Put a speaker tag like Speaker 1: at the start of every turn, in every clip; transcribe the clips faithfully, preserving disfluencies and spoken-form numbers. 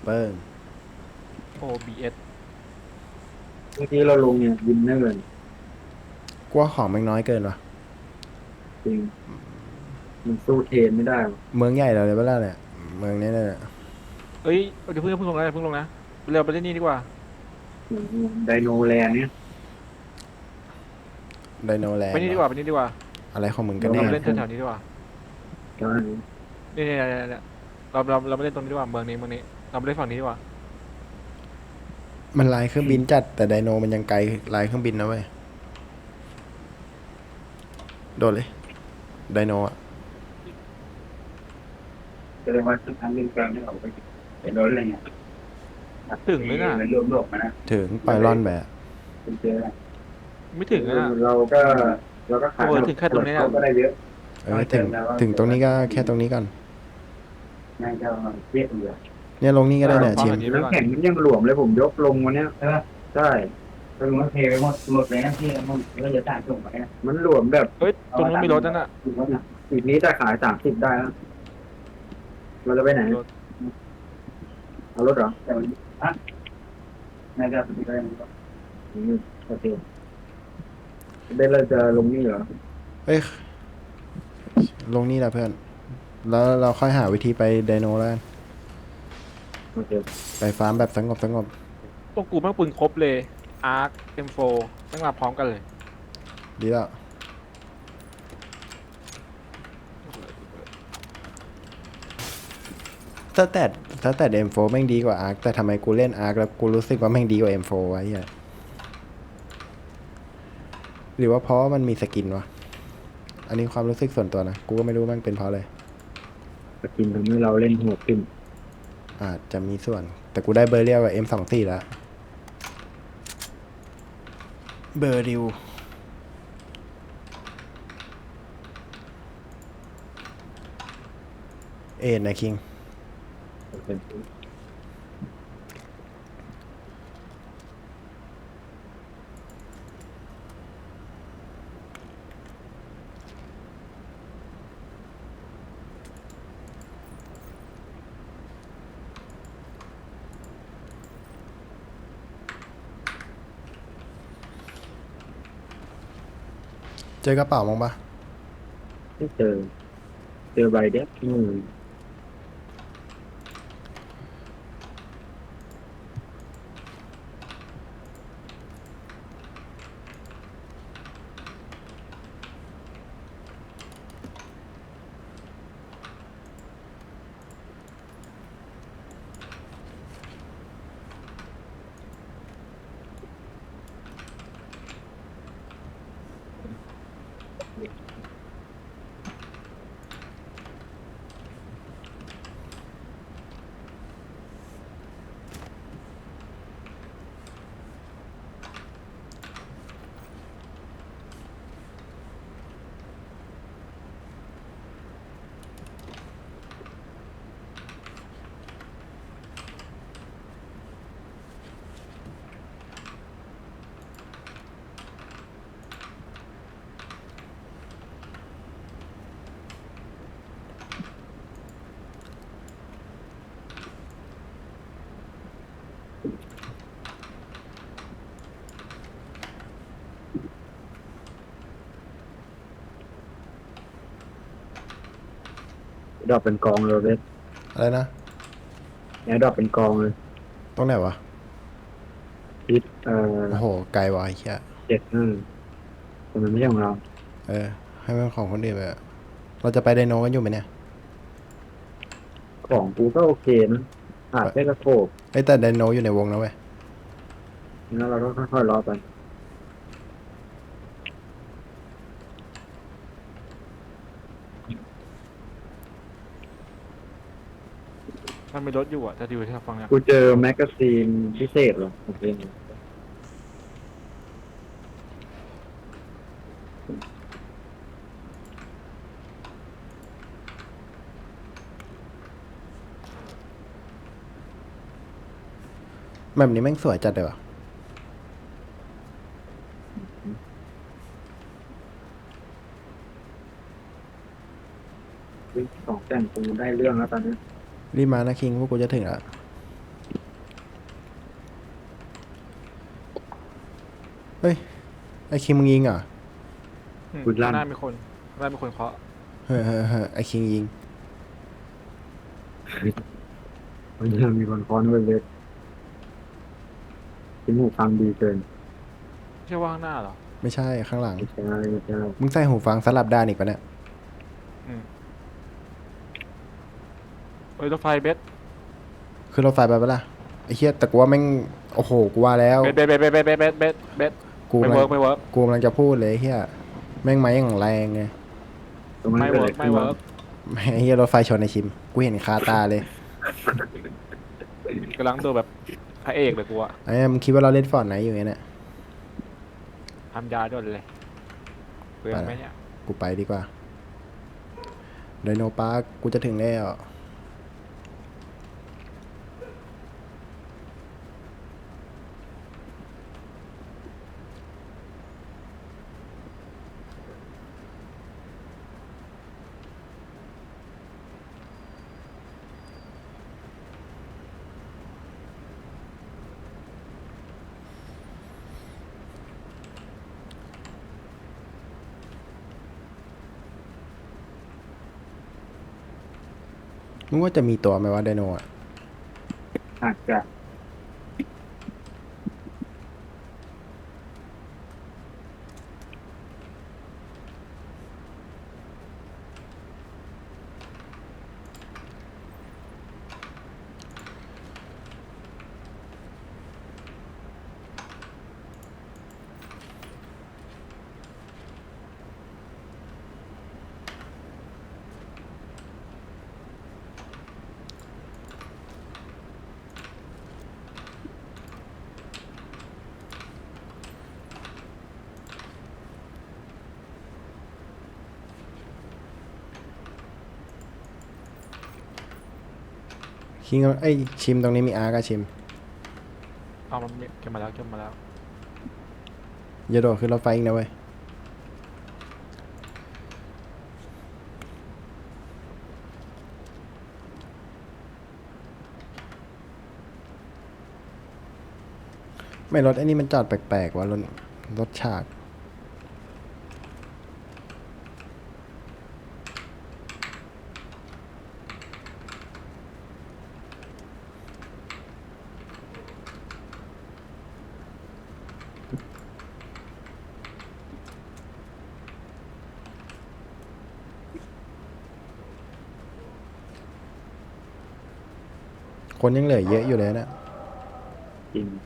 Speaker 1: เปิ้ล
Speaker 2: โอ บี เอส
Speaker 3: เมื่อกี้เราลงเนี่ยวินเนอร์
Speaker 1: กลัวของมันน้อยเกินวะ
Speaker 3: จริงมันสู้เทรนไม่ได้หรอก
Speaker 1: เมืองใหญ่เราเลยเปล่าเนี่ยเมืองนี้เนี่ย
Speaker 2: เอ้ยเดี๋ยวเพิ่งเพิ่งลงนะเพิ่งลงนะเร็วไปเล่นนี่ดีกว่า
Speaker 3: เหมือนไดโนแลนด์เนี่ย
Speaker 1: ไดโนแล
Speaker 2: ไป
Speaker 1: นด์เหรอ
Speaker 2: นี่ดีกว่าไปนี่ดีกว่า
Speaker 1: อะไรของมึงกัน
Speaker 2: เรา
Speaker 1: แน่
Speaker 2: ไปเล่นแถวๆนี้ดีกว่า
Speaker 3: ตอนนี้
Speaker 2: นี่นี่นี่นี่เราเราเราไปเล่นตรงนี้ดีกว่าเมืองนี้เมืองนี้เราไปเล่นฝั่งนี้ดีกว่า
Speaker 1: มันลายเครื่องบินจัดแต่ไดโนมันยังไกลลายเครื่องบินนะเว้ยโดดเลยไดโนอะ
Speaker 3: แสดงว่าทุกครั้งเล่นกลางที่เราไปเป็นรถอะไรเงี้ย
Speaker 2: ถึงเลยน่ะ
Speaker 3: มันรวมโลกมานะ
Speaker 1: ถึงปล่อยร่อนแบบ
Speaker 3: เป็นเจอ
Speaker 2: ไม่ถึงอะน่ะ
Speaker 3: เราก็เราก็
Speaker 2: โอ้
Speaker 3: ขาย
Speaker 2: โหถึงแค่ตรงนี้
Speaker 3: เขา
Speaker 2: น่ะ
Speaker 3: ก็ได้เยอะ
Speaker 1: เออถึงถึงตรงนี้ก็แค่ตรงนี้ก่อน
Speaker 3: น่าจะเรียกเหลือ
Speaker 1: เนี่ยลงนี่ก็ได้เนี่ยชิม
Speaker 3: น้ำแข็งมันยังหลวมเลยผมยกลงวันเนี้ยใช่ก็ลงมาเทไปหมดหมดเลยนะที่มันก็จะจ่ายส่งไปมันหลวมแบบ
Speaker 2: เอ้ยตรงนู้นมีรถนั่นน่ะ
Speaker 3: อีกนี้จะขายสามสิบได้แล้วเราจะไปไหน
Speaker 2: รถ
Speaker 3: เอารถเหรอแต่วันอ่ะน่าจะไปได้มั้งอืมโอเคเบนเราจะลงนี่เหรอ
Speaker 1: เอ้ยลงนี่แหละเพื่อนแล้วเราค่อยหาวิธีไปไดโนแล้วกัน
Speaker 3: โอเค
Speaker 1: ไปฟาร์มแบบสงบสงบ
Speaker 2: ตรงกูแม่งปืนครบเลย อาร์ค เอ็ม โฟร์ แม่งมาพร้อมกันเลย
Speaker 1: ดีแล้วถ้าแต่ถ้าแต่ เอ็ม โฟร์ แม่งดีกว่าอาร์คแต่ทำไมกูเล่นอาร์คแล้วกูรู้สึกว่าแม่งดีกว่า เอ็ม โฟร์ ไว้เหี้ยหรือว่าเพราะว่ามันมีสกินวะอันนี้ความรู้สึกส่วนตัวนะกูก็ไม่รู้แม่งเป็นเพราะอะไร
Speaker 3: สกินทำให้เราเล่นหัวขึ้น
Speaker 1: อาจจะมีส่วนแต่กูได้เบอร์เรียวกับ เอ็ม สองสิบสี่ แล้วเบอร์ริวเอ็ดนะคิงเจอกระเป๋ามั้งปะ
Speaker 3: ไม่เจอเจอใบเด็กที่มือดอกเป็นกองเลยเด็ก
Speaker 1: อะไรนะ
Speaker 3: เนี่ยดอกเป็นกองเลย
Speaker 1: ตรงไหนวะ
Speaker 3: ทิศเอ่อ
Speaker 1: โอ้โหไกลวะไอ้เหี้ย
Speaker 3: เจ็ดห้าแต่มันไม่ใช่ของเรา
Speaker 1: เออให้มันของคนอื่นไปอะเราจะไปไดโนกันอยู่ไหมเนี่ย
Speaker 3: ของกูก็โอเคนะขาดแค่กระโถก
Speaker 1: ไอ้ยแต่ไดโนอยู่ในวงนะเว้ย
Speaker 3: แล้วเราก็ค่อยๆรอไป
Speaker 2: มันมีรถอยู่อ่ะจะดูที่เราฟังเนี่ย
Speaker 3: กูเจอแมกกาซีนพิเศษเหรอโอเค
Speaker 1: แบบนี้แม่งสวยจัดเลยวะ
Speaker 3: สองแต่งกูได้เรื่องแล้วตอนนี้
Speaker 1: รีบมานะคิงพวกกูจะถึงแล้วเฮ้ย ไอคิงมึงยิงเหรอ
Speaker 2: อืม
Speaker 3: คุณลั่น
Speaker 2: ข้างหน้ามีคนข้างหน้ามีคนเคาะ
Speaker 1: เฮ้ยเฮ้ยเฮ้ยไอคิงยิง
Speaker 3: มันจะมีคนฟ้อนไว้เลยที่หูฟังดีเกิน
Speaker 2: ไม่ใช่ว่าข้างหน้าเหรอ
Speaker 1: ไม่ใช่ข้างหลัง
Speaker 3: ไม่ใช่ไม่ใช่
Speaker 1: มึงใส่หูฟังสลับด้านอีกปะเนี่ย
Speaker 2: อืมเอ้ยรถไฟเบส
Speaker 1: คือรถไฟไปปะล่ะไอเฮียแต่กูว่าแม่ง โอ้โห กูว่าแล้ว
Speaker 2: เบสเบสเบสเบสเบสเบสเบสเบส
Speaker 1: กู
Speaker 2: ไม่
Speaker 1: กำลั
Speaker 2: เวิ
Speaker 1: ง
Speaker 2: ร์กไม่เวิร์ก
Speaker 1: กูกำลังจะพูดเลยไอ้เฮียแม่งไม้อย่างแรงไง
Speaker 3: ตรงนั้น
Speaker 2: ไม่
Speaker 3: เกิด
Speaker 2: เวิ
Speaker 3: อะไร
Speaker 2: ร์ก
Speaker 3: ขึ้
Speaker 2: ไม่
Speaker 3: นวะ
Speaker 2: เวิร์ก
Speaker 1: แม่งไอ้เฮียรถไฟชนในชิม กูเห็นคาตาเลย
Speaker 2: กำลังดูแบบพระเอกเลยกูอะ
Speaker 1: ไอ้เนี่ยมึงคิดว่าเราเล่นฟอร์ดไหนอยู่เนี่ย
Speaker 2: ทำยาด้วยเลยเปลืองไหมเนี่ย
Speaker 1: กูไปดีกว่าไดโนปาร์คกูจะถึงแล้ว มึงว่าจะมีตัวไหมว่าไดโนอ่ะ
Speaker 3: อาจจะ
Speaker 1: คิงเอาไอยชิมตรงนี้มีอาร์กอะชิม
Speaker 2: เอามันเก็บมาแล้วเก็บมาแล้ว
Speaker 1: อย่าโดดขึ้นรถไฟอีกนะเว้ย ไม่รถไอ้นี่มันจอดแปลกๆว่ะรถรถฉากคนยังเหลือเยอะอยู่เลยนะ
Speaker 3: จริง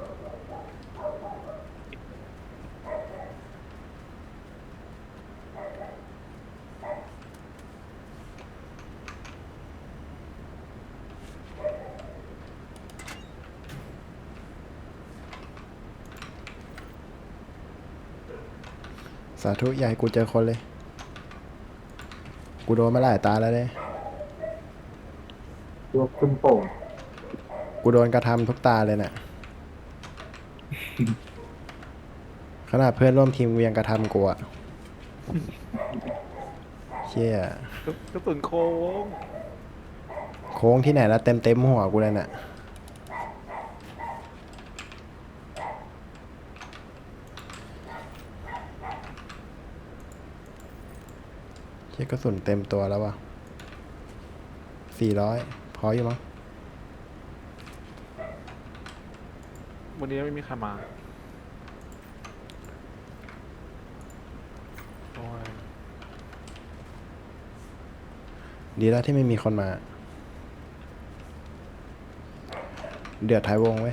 Speaker 1: สาธุอย่าให้กูเจอคนเลย กูโดนมาหลายตาแล้วเลย
Speaker 3: ตัวคุณโป่ง
Speaker 1: กูโดนกระทำทุกตาเลยน่ะ ขนาดเพื่อนร่วมทีมกูยังกระทำกูอะเชี่ย
Speaker 2: กระสุนโค้ง
Speaker 1: โค้งที่ไหนแล้วเต็มเต็มหัวกูเลยน่ะ เชี่ยกระสุนเต็มตัวแล้ววะสี่ร้อยพออยู่มั้ง
Speaker 2: วันนี้ไม่มีใครมาโอ้ย
Speaker 1: ดีแล้วที่ไม่มีคนมา เดือดท้ายวงไว้ย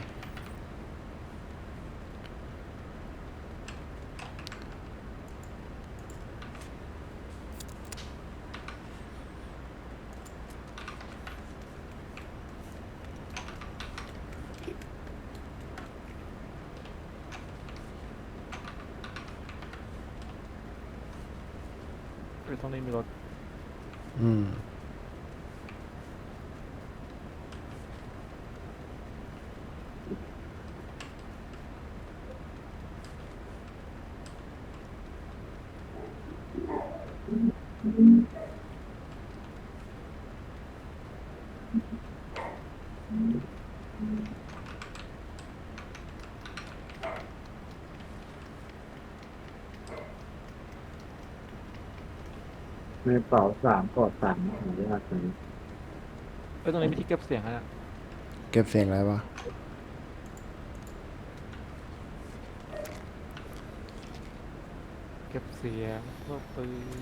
Speaker 2: เอ้ยตรงนี้มีรถ
Speaker 1: อืม
Speaker 3: เในเป๋าสามกอดสามของยากเลย
Speaker 2: เอ้ยตรงนี้มีที่เก็บเสียงอะนะ
Speaker 1: เก็บเสียงอะไรวะ
Speaker 2: เก็บเสียงพวกปืน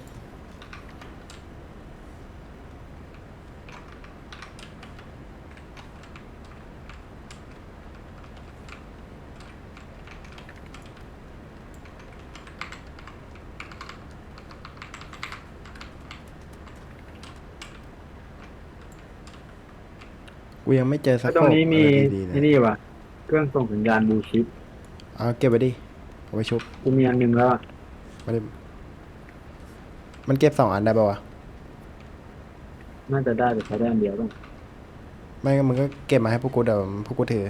Speaker 1: กูยังไม่เจอสั
Speaker 3: แล้
Speaker 1: ก
Speaker 3: วตรงนี้มี
Speaker 1: อะไรดีๆเล
Speaker 3: ที่
Speaker 1: ย
Speaker 3: นี่ว่ะเครื่องส่งสัญญาณบลูชิป
Speaker 1: เอาเก็บไปดิเอาไปชุบ
Speaker 3: กูมีอันหนึงแล้วอะ
Speaker 1: ไม่ได้มันเก็บสองอันได้ปะวะ
Speaker 3: น่าจะได้แต่ใช้ได้อันเดียวต้อง
Speaker 1: ไม่งั้นมึงก็เก็บมาให้พวกกูเดี๋ยวพวกกูถือ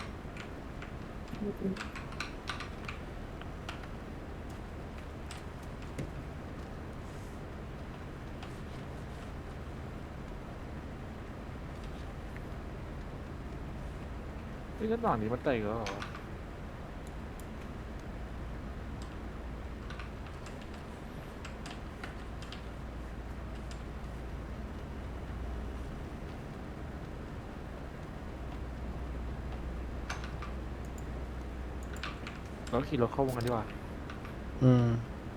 Speaker 2: นี่ก็หนอนนี้มันเตะแล้วเหรอวะเราขี่รถเข้าวงกันดีกว่า
Speaker 1: อืม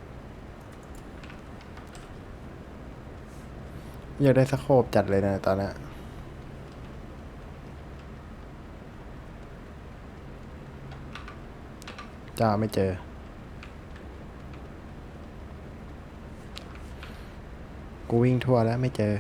Speaker 1: อยากได้สโคปจัดเลยนะตอนเนี้ยจ้าไม่เจอ กูวิ่งทั่วแล้วไม่เจอ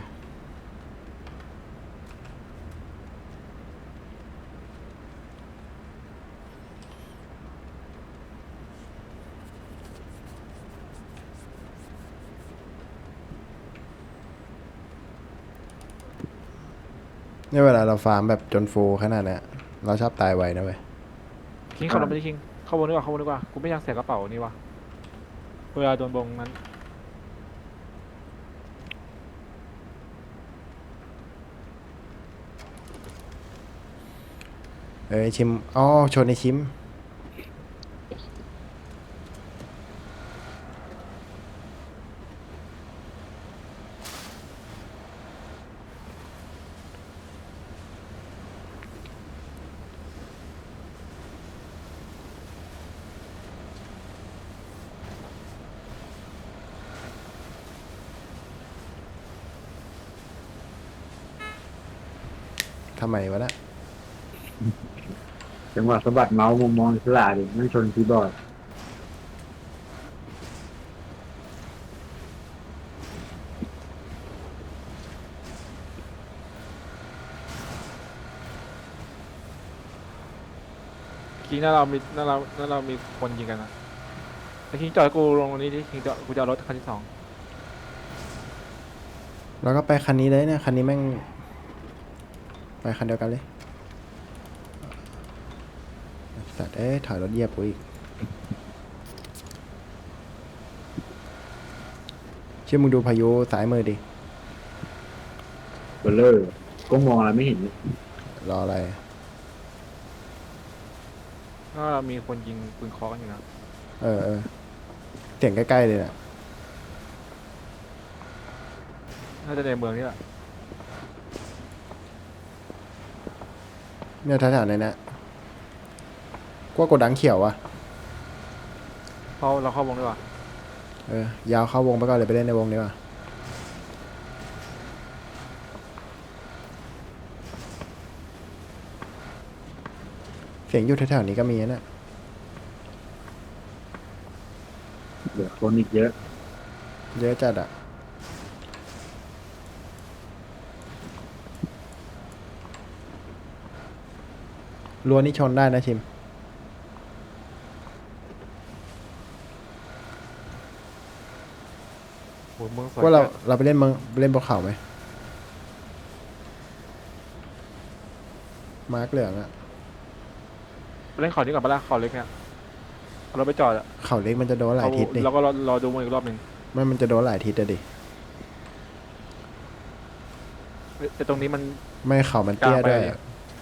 Speaker 1: เนี่ยเวลาเราฟาร์มแบบจนฟูลขนาดเนี้ยเราชอบตายไวนะเว้ย
Speaker 2: คิงขับรถไปดิคิงเข้าวงดีกว่าเข้าวงดีกว่ากูไม่อยากเสียกระเป๋านี่วะเวลาโดนบงนั้น
Speaker 1: เอ้ยชิมอ๋อชนในชิม ทำไมวะนะ
Speaker 3: จังหวะสะบัดเมาส์มุมมองอิสระดิไม่ชนคีย์บอร์ด
Speaker 2: คิงหน้าเรามีหน้าเราหน้าเรามีคนยิงกันนะแต่คิงจอดให้กูลงตรงนี้ดิคิงจอดกูจะเอารถคันที่สอง
Speaker 1: เราก็ไปคันนี้เลยเนี่ยคันนี้แม่ง ไปคันเดียวกันเลยสัตว์เอ้ยถอยรถเหยียบกูอีกเชื่อมึงดูพายุสายมือดิ
Speaker 3: เบลเลอร์ก็มองอะไรไม่เห็นเลย
Speaker 1: รออะไร
Speaker 2: หน้าเรามีคนยิงปืนเคอกันอยู่นะ
Speaker 1: เออเออเสียงใกล้ๆเลยน่ะ
Speaker 2: น่าจะในเมืองนี่แหละ
Speaker 1: เนี่ยแถวๆนี้นะกว่ากดดังเขียวอะ
Speaker 2: เข้าเราเข้าวงดีกว่า
Speaker 1: เออยาวเข้าวงไปก่อนเลยไปเล่นในวงดีกว่าเสียงอยู่แถวๆนี้ก็มีนะ
Speaker 3: เหลือคนอีกเยอะ
Speaker 1: เยอะจัดอะรั้วนี่ชนได้นะชิม
Speaker 2: โหเมืองสวย
Speaker 1: ว่าเรา
Speaker 2: จัด
Speaker 1: เราไปเล่นเมืองไปเล่นบนเขาไหมมาร์กเหลืองอะ
Speaker 2: ไปเล่นเขานี้ก่อนปะล่ะเขาเล็กเนี่ยเอารถไปจอดอะ
Speaker 1: เขาเล็กมันจะโดนหลายทิศดิ
Speaker 2: เราก็รอรอดูมันอีกรอบหนึ่ง
Speaker 1: ไม่มันจะโดนหลายทิศอะดิ
Speaker 2: แต่ตรงนี้มัน
Speaker 1: ไม่เขามันเตี้ยด้วย
Speaker 2: กลางไปเลย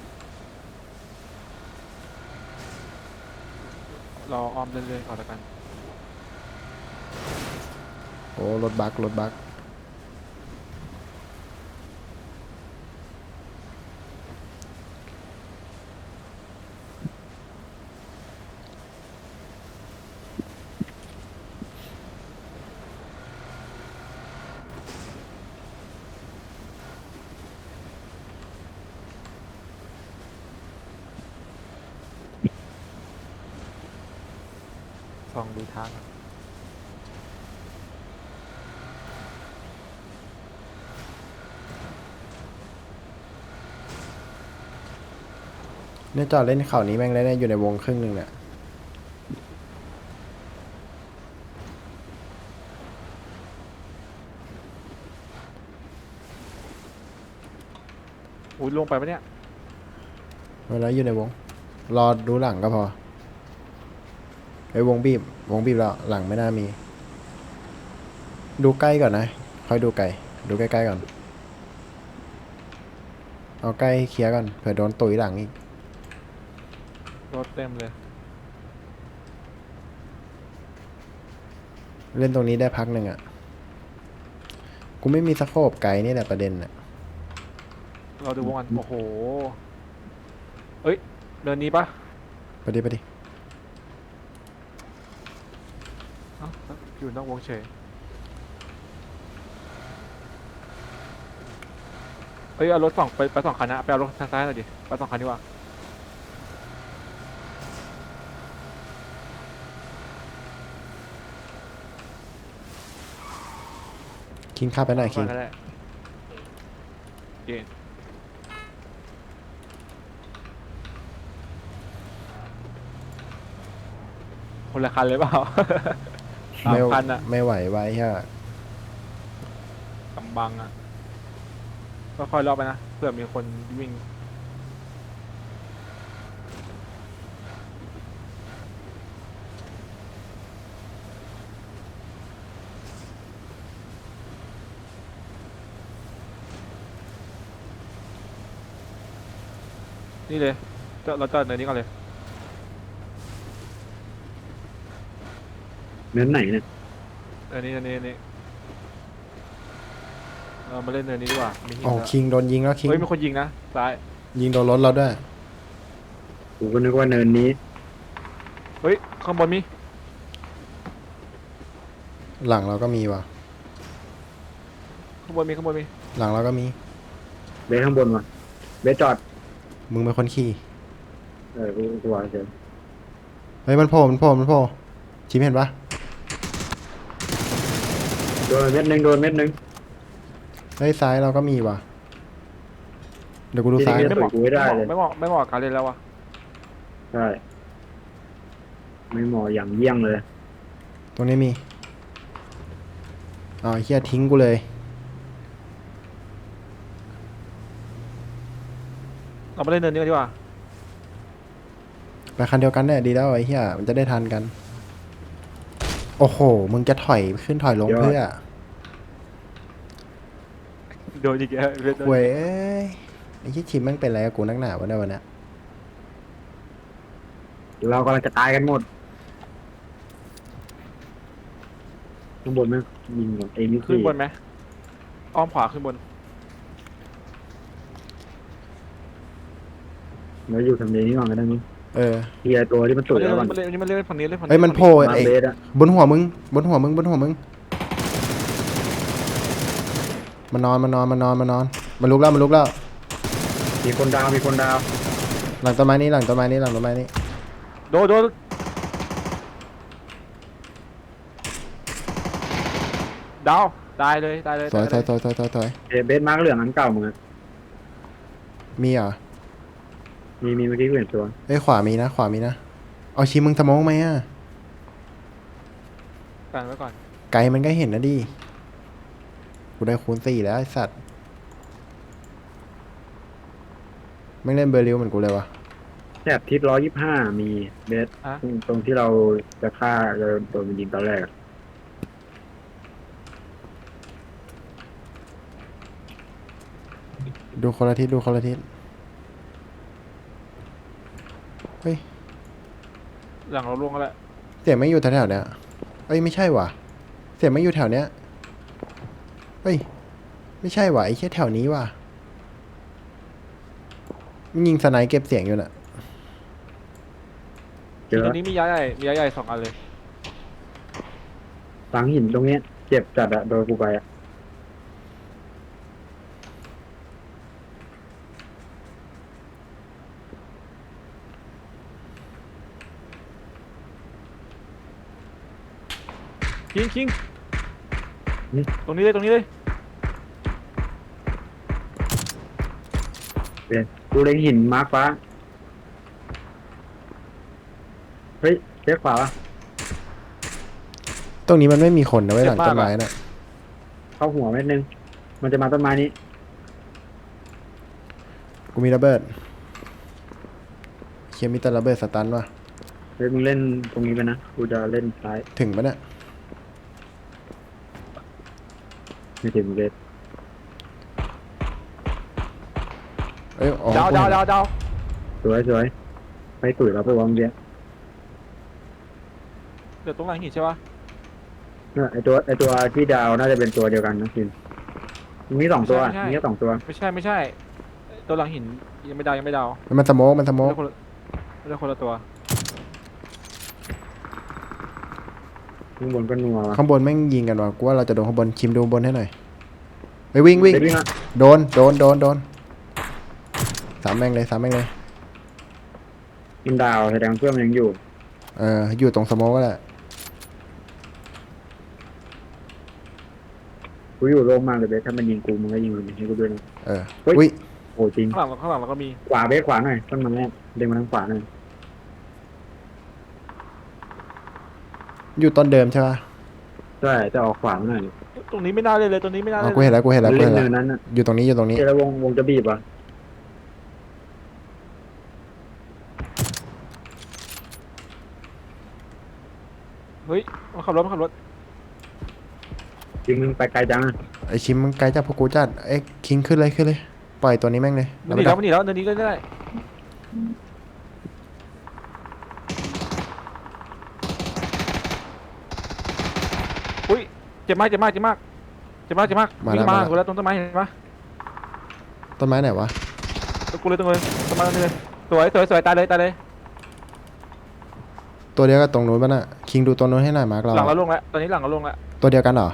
Speaker 2: รออ้อมเรื่อยๆก่อนแล้วกัน
Speaker 1: โอ้รถบักรถบัก
Speaker 2: ส่องดูทาง
Speaker 1: เนี่ยจอดเล่นเขานี้แม่งเลยเนี่ยอยู่ในวงครึ่งหนึ่งเนี่ย
Speaker 2: อุ้ยลงไปปะเนี่ย
Speaker 1: เวลาอยู่ในวง รอดูหลังก็พอไอ้ยวงบีบ วงบีบแล้วหลังไม่น่ามี ดูใกล้ก่อนนะ ค่อยดูไกล ดูใกล้ๆก่อน เอาใกล้เคลียร์ก่อน เผื่อโดนตุ๋ยหลังอีก
Speaker 2: รถเต็มเลย
Speaker 1: เล่นตรงนี้ได้พักหนึ่งอ่ะ กูไม่มีสโคปไกลนี่แหละประเด็นอ่ะ
Speaker 2: เราดูวงกันโอ้โหเอ้ยเดินนี้ปะ
Speaker 1: ไปดิไปดิ
Speaker 2: เอ้าอยู่นอกวงเฉยเอ้ยเอารถสองไปไปสองคันนะไปเอารถทางซ้ายหน่อยดิไปสองคันดีกว่า
Speaker 1: คิงข้าไปไหนคิง
Speaker 2: ก็ได้เกณฑ์คนละคันเลยเปล่า สาม
Speaker 1: ไม่
Speaker 2: คันอะ
Speaker 1: ไม่ไหวไว้ฮะ
Speaker 2: กำบังอะก็ค่อยรอบไปนะเผื่อมีคนวิ่งนี่เลยจอดเราจอดเนินนี้ก่อนเลย
Speaker 3: เนื้อไหนเนี่ย
Speaker 2: เนินนี้เนินนี้เนินนี้เรามาเล่นเนินนี้ดีกว่ามีหิน
Speaker 1: โอ้
Speaker 2: แล้ว
Speaker 1: คิงโดนยิงแล้วคิง
Speaker 2: เฮ้ยมีคนยิงนะซ้าย
Speaker 1: ยิงโดนรถเราด้วย
Speaker 3: กูก็นึกว่าเนินนี้
Speaker 2: เฮ้ยข้างบนมี
Speaker 1: หลังเราก็มีว่ะ
Speaker 2: ข้างบนมีข้างบนมี
Speaker 1: หลังเราก็มี
Speaker 3: เบสข้างบนวะเบสจอด
Speaker 1: มึงเป็นคนขี่
Speaker 3: เออกูกูวางเฉย
Speaker 1: เฮ้ยมันโผล่มันโผล่มันโผล่ชิมเห็นปะ
Speaker 3: โดนเม็ดหนึ่งโดนเม็ดหนึ่ง
Speaker 1: เฮ้ยซ้ายเราก็มีว่ะ เดี๋ยวกูดูซ้าย
Speaker 3: ไม่เหมาะกูไม่ได้เลย
Speaker 2: ไม่เหมาะไม่เหมาะกับการเล่นแล้ววะ
Speaker 3: ใช่ไม่เหมาะอย่างเยี่ยงเลย
Speaker 1: ตรงนี้มีอ๋อเฮียทิ้งกูเลย
Speaker 2: เรามาเล่นเนินนี้กันดีกว่า
Speaker 1: ไปคันเดียวกันเนี่ยดีแล้วไอ้เฮียมันจะได้ทันกัน โอ้โห มึงจะถอยขึ้นถอยลง
Speaker 3: ยอด
Speaker 1: เพื่อ
Speaker 2: โดนอีกแล้วเล่นโดน
Speaker 1: เว้ยเอ้ยไอ้ที่ชิมแมันเป็นอะไรกับกูนักหนาวะเนี่ยวันเนี้ย
Speaker 3: เรากำลังจะตายกันหมดข้างบนไหมยิงก่อนเอ็ม
Speaker 2: ขึ้นบนไหมอ้อมขวาขึ้นบน
Speaker 3: แล้วอยู่ทำเลนี้ก่อนก็ได้มั้ง
Speaker 1: เออ
Speaker 3: เคลียร์ตัวที่มันตุ๋ย
Speaker 2: เล่น
Speaker 3: แล้วมัน
Speaker 2: มันเล่นมันเล่นฝั่งนี้เล่นฝั่งนี้
Speaker 1: เฮ้ยมันโผล่
Speaker 3: มา
Speaker 1: ไอ้
Speaker 3: เบสอะ
Speaker 1: บนหัวมึง บนหัวมึงบนหัวมึง มันนอนมันนอนมันนอนมันนอน มันลุกแล้วมันลุกแล้ว
Speaker 3: มีคนดาวมีคนดาว
Speaker 1: หลังต้นไม้นี้หลังต้นไม้นี้หลังต้นไม้นี้
Speaker 2: โดนโดนดาวตายเลยตายเลย
Speaker 1: ถอยถ
Speaker 2: ตา
Speaker 1: อย
Speaker 2: เล
Speaker 1: ถอยถอยถอยถอย
Speaker 3: เอเบสมาร์กเหลืองอันเก่ามึงอะ
Speaker 1: มีเหรอ
Speaker 3: มีมีเมื่อกี้กูเห็นตัว
Speaker 1: เอ้ยขวามีนะ ขวามีนะ เอาชิมมึงสโมองไหมอ่ะ
Speaker 2: กันไว้ก่อน
Speaker 1: ไกลมันก็เห็นนะดิ กูได้คูณสี่แล้วไอ้สัตว์ ไม่เล่นเบอร์ริวเหมือนกูเลยวะ
Speaker 3: แถบทิศร้อยยี่ห้ามีเบส
Speaker 2: อะ
Speaker 3: ตรงที่เราจะฆ่าจะโดนมันยิงตอนแรกอะ
Speaker 1: ดูคนละทิศดูคนละทิศ เฮ้ย
Speaker 2: หลังเราล่วงแล้วแหละ
Speaker 1: เสียงไม่อยู่แถวๆเนี้ยเอ้ยไม่ใช่ว่ะ เสียงไม่อยู่แถวเนี้ยเฮ้ย ไม่ใช่ว่ะไอ้แค่แถวนี้ว่ะมันยิงสไนป์เก็บเสียงอยู่น่ะ
Speaker 3: เจอ
Speaker 2: ตรงนี้มีย้ายใหญ่มีย้ายใหญ่สองอันเลย
Speaker 3: ฝังหินตรงเนี้ยเจ็บจัดอะโดนกูไปอะ
Speaker 2: คิงคิงตรงนี้เลยตรงนี้เลย
Speaker 3: เดี๋ยวกูเล็งหินมาร์คฟ้าเฮ้ยเลี้ยวขวาวะ
Speaker 1: ตรงนี้มันไม่มีคนนะไว้ยหลังต้นไม้น่ะ
Speaker 3: เข้าหัวเม็ดนึงมันจะมาต้นไม้นี้
Speaker 1: กูมีระเบิดเคียมีแต่ระเบิดสตันว่ะ
Speaker 3: เฮ้ยมึงเล่นตรงนี้ไปนะกูจะเล่นซ้าย
Speaker 1: ถึงปะเนี่ย
Speaker 3: ไม่ถึงเลย
Speaker 1: เอ้ยอ๋อ
Speaker 2: ดาว
Speaker 1: กู
Speaker 2: ดาว
Speaker 1: เห็น
Speaker 2: ดาวดาว
Speaker 3: สวยสวยไปตุ๋ยเราไปวางเดียว
Speaker 2: เดี๋ยวตรงหลังหินใช่ปะ
Speaker 3: เนี่ยไอตัวไอตัวที่ดาวน่าจะเป็นตัวเดียวกันนะคินมีสองตัวมีแค่สองตัว
Speaker 2: ไม่ใช่ไม่ใช่ตัวหลังหินยังไม่ดาวยังไม่ดาว
Speaker 1: มันสโมกมันสโม
Speaker 2: ไม่
Speaker 1: ก
Speaker 2: ได้คนละไม่ได้คนละตัว
Speaker 3: ข้างบนก็นัวว่ะ
Speaker 1: ข้างบนแม่งยิงกันว่ะกูว่าเราจะโดนข้างบนคิมดูบนให้หน่อยไปวิ่งวิ่ง
Speaker 3: เดี๋ยววิ่งอ่ะ
Speaker 1: โดนโดนโดนโดนสามแม่งเลยสามแม่งเลย
Speaker 3: กินดาวแสดงเพื่อนมันยังอยู่
Speaker 1: เอออยู่ตรงสโมกก็แหละ
Speaker 3: กูอยู่โล่งมากเลยเบสถ้ามันยิงกูมันก็ยิงมันให้กูด้วยนะ
Speaker 1: เออ
Speaker 3: เฮ้ย
Speaker 1: อุ้ย
Speaker 3: โอ้จริง
Speaker 2: ข้างหลังข้างหลังเราก็มี
Speaker 3: ขวาเบสขวาหน่อยต้นมันแรกเด้งมาทางขวาหน่อย
Speaker 1: อยู่ต้นเดิมใช่ปะ
Speaker 3: ใช่จะออกขวาหน่อย
Speaker 2: ตรงนี้ไม่น่าเลยเลยตรงนี้ไม่น่า
Speaker 1: อ๋
Speaker 2: เล
Speaker 1: อย กูเห็นแล้วกูเห็นแล้วกู
Speaker 3: เล่
Speaker 1: เห็
Speaker 3: น
Speaker 1: น
Speaker 3: เนิ
Speaker 1: แล้ว
Speaker 3: นนั้นอ่ะ
Speaker 1: อยู่ตรงนี้อยู่ตรงนี้
Speaker 3: เจอแล้ววงวงจะบีบอ่ะ
Speaker 2: เฮ้ยมันขับรถมันขับรถ
Speaker 3: จริงมึงไปไกลจังอ่ะ
Speaker 1: ไอชิมมันไกลจากพวกกูจัดไอ้คิงขึ้นเลยขึ้นเลยปล่อยตัวนี้แม่งเลย
Speaker 2: มันห
Speaker 1: ไป
Speaker 2: นี
Speaker 1: ดั
Speaker 2: แล้
Speaker 1: ก
Speaker 2: วมันหนีแล้วเดินนี้ก็ได้อุ้ยเจ็บมากเจ็บมากเจ็บมากเจ็บมากเจ็บมากวิ่งมากูแล้วตรงต้นไม้เห็นปะ
Speaker 1: ต้นไม้ไหนวะ
Speaker 2: กูเลยตรงเลยต้นไม้ตรงนี้เลยสวยสวยสวยตายเลยตายเลย
Speaker 1: ตัวเดียวกับตรงนู้นป่ะน่ะคิงดูตัวนู้นให้หน่อยมาร์กเรา
Speaker 2: หลังเราลงแล้วตอนนี้หลังเราลงแล้ว
Speaker 1: ตัวเดียวกันเหรอ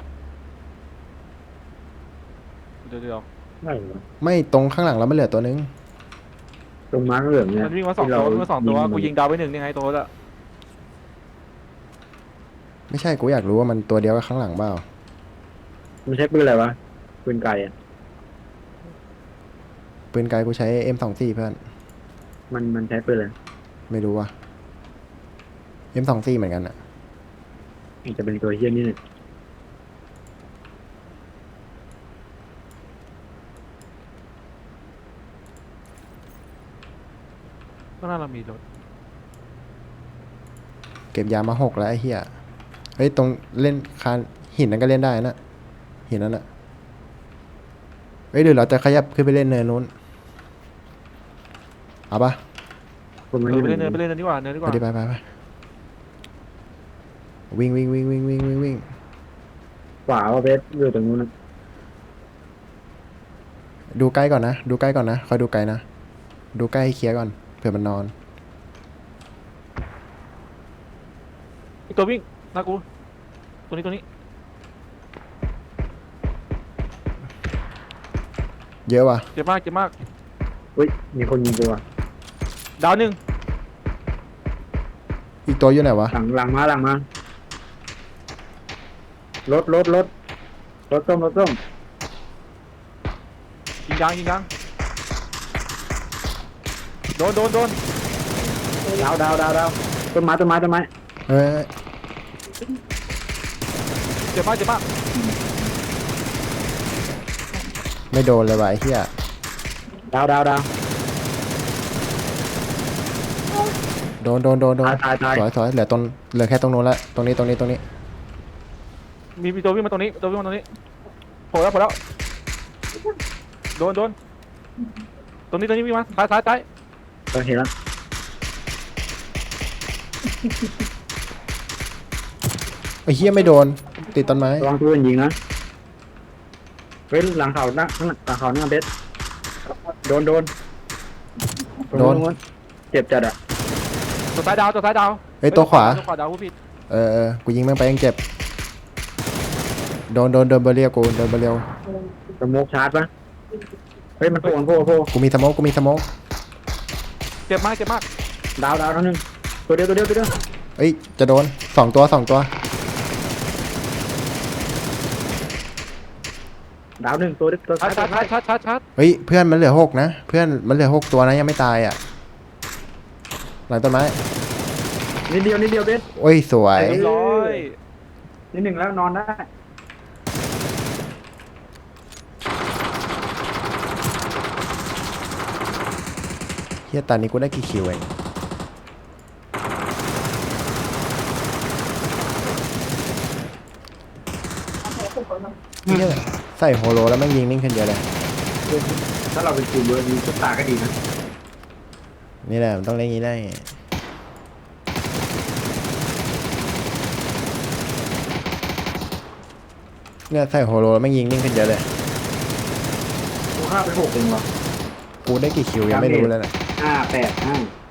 Speaker 2: เดี๋ยวเดี๋ยว
Speaker 3: ไม่หรอ
Speaker 1: ไม่ตรงข้างหลังเราไม่เหลือตัวนึง
Speaker 3: ตรงมาร์กเหลืองเนี่ย
Speaker 2: มันวิ่งมาสองตัววิ่งมาสองตัวกูยิงดาวไปหนึ่งยังไงตัวละ
Speaker 1: ไม่ใช่กูอยากรู้ว่ามันตัวเดียวกับข้างหลังเปล่า
Speaker 3: มันใช้ปืนอะไรวะปืนไก่อ่ะ
Speaker 1: ปืนไกลกูใช้ เอ็ม สองสิบสี่ เพื่อน
Speaker 3: มันมันใช้ปืนอะไร
Speaker 1: ไม่รู้ว่ะ เอ็ม สองสิบสี่ เหมือนกันอะ
Speaker 3: มันจะเป็นตัวเฮี้ยนี่เนี่ย
Speaker 2: ข้างหน้าเรามีรถ
Speaker 1: เก็บยามาหกแล้วไอ้เหี้ยเฮ้ยตรงเล่นคานหินนั้นก็เล่นได้นะหินนั้นอะเฮ้ยเดี๋ยวเราจะขยับขึ้นไปเล่นเนินนู้นเอาปะ
Speaker 3: คนมัน
Speaker 2: เอ
Speaker 3: อ
Speaker 2: อยู่ ไปเล่นเนินไปเล่นเนินดีกว่าเนินดีก
Speaker 1: ไป
Speaker 2: ว่า
Speaker 1: ดิไปไปไปวิ่งวิ่งวิ่งวิ่งวิ่งวิ่งวิ่ง
Speaker 3: ขวาว่าเบสอยู่ตรงนู้นนะ
Speaker 1: ดูใกล้ก่อนนะดูใกล้ก่อนนะคอยดูไกลนะดูใกล้ให้เคลียร์ก่อนเผื่อมันนอน
Speaker 2: อีกตัววิ่งหน้ากูตัวนี้ตัวนี้
Speaker 1: เยอะว่ะ
Speaker 2: เจ็บมากเจ็บมาก
Speaker 3: อุ้ยมีคนยิงตัว
Speaker 2: ดาวหนึ่ง
Speaker 1: อีกตัวอยู่ไหนวะ
Speaker 3: หลังหลังมาหลังมารถรถรถรถส้มรถส้ม
Speaker 2: ยิงยางยิงยางโดนโดนโดน
Speaker 3: ดาวดาวดาวดาวต้นไม้ต้นไม้ต้นไม้
Speaker 1: เฮ้ย
Speaker 2: เจ็บมากเจ็บมาก
Speaker 1: ไม่โดนเลยว่ะไอ้เหี้ย
Speaker 3: ดาวดาวดาว
Speaker 1: โดนโดนโดนโดน
Speaker 3: ตายตายตาย
Speaker 1: สวยสวยเหลือตรงเหลือแค่ตรงนู้นละตรงนี้ตรงนี้ตรงนี้
Speaker 2: มีมีตัววิ่งมาตรงนี้ตัววิ่งมาตรงนี้โผล่แล้วโผล่แล้วโดนโดนตรงนี้ตรงนี้วิ่งมาซ้ายซ้ายซ้าย
Speaker 3: เราเห็นแล้ว
Speaker 1: ไอ้เหี้ยไม่โดนติดต้นไม้
Speaker 3: ระวังตัวอื่นยิงนะเฮ้ยหลังเขาหน้าข้างหลังหลังเขาหน้าเบสโดนโดนตรง
Speaker 1: โดน
Speaker 3: นู้นเจ็บจัดอ่ะ
Speaker 2: ตัวซ้ายดาวตัวซ้ายดาว
Speaker 1: เฮ้ยตัวขวา
Speaker 2: ตัวขวาดาวผู้ผิด
Speaker 1: เออเออกูยิงแม่งไปยังเจ็บโดนโดนโดนเบอร์เรียวกูโดนเบอร์เรียว
Speaker 3: สโมกชาร์จปะเฮ้ยมันโผล่มันโผล่โผล่
Speaker 1: กูมีสโมกกูมีสโมก
Speaker 2: เจ็บมากเจ็บมาก
Speaker 3: ดาวดาวเท่านึงตัวเดียวตัวเดียวตัวเดียว
Speaker 1: เอ้ยจะโดนสองตัวสองตัว
Speaker 3: ดาวหนึ่งตัวตัว
Speaker 2: ชา
Speaker 3: ซ้า
Speaker 2: ร์
Speaker 3: ย
Speaker 2: จชาร์จชาร์จชาร์จชาร์จ
Speaker 1: เฮ้ยเพื่อนมันเหลือหกนะเพื่อนมันเหลือหกตัวนะยังไม่ตายอ่ะหลังต้นไม้
Speaker 3: นิดเดียวนิดเดียวเบส
Speaker 1: โอ้ยสวย
Speaker 2: เรียบร้อย
Speaker 3: นิดหนึ่งแล้วนอนได้
Speaker 1: เฮียตอนนี้กูได้กี่คิวเองเฮียใส่โฮโลแล้วแม่งยิงนิ่งขึ้นเยอะเลย
Speaker 3: ถ้าเราเป็นทีมเยอะดีชุดตาก็ดีนะ
Speaker 1: นี่แหละมันต้องเล่นอย่างนี้ได้เนี่ยใส่โฮโลแล้วแม่งยิงนิ่งขึ้นเยอะเลย
Speaker 3: กูฆ่าไปหกเองเหรอ
Speaker 1: กูได้กี่คิวยังไม่รู้เลยนะ
Speaker 3: ห้าแปดห้า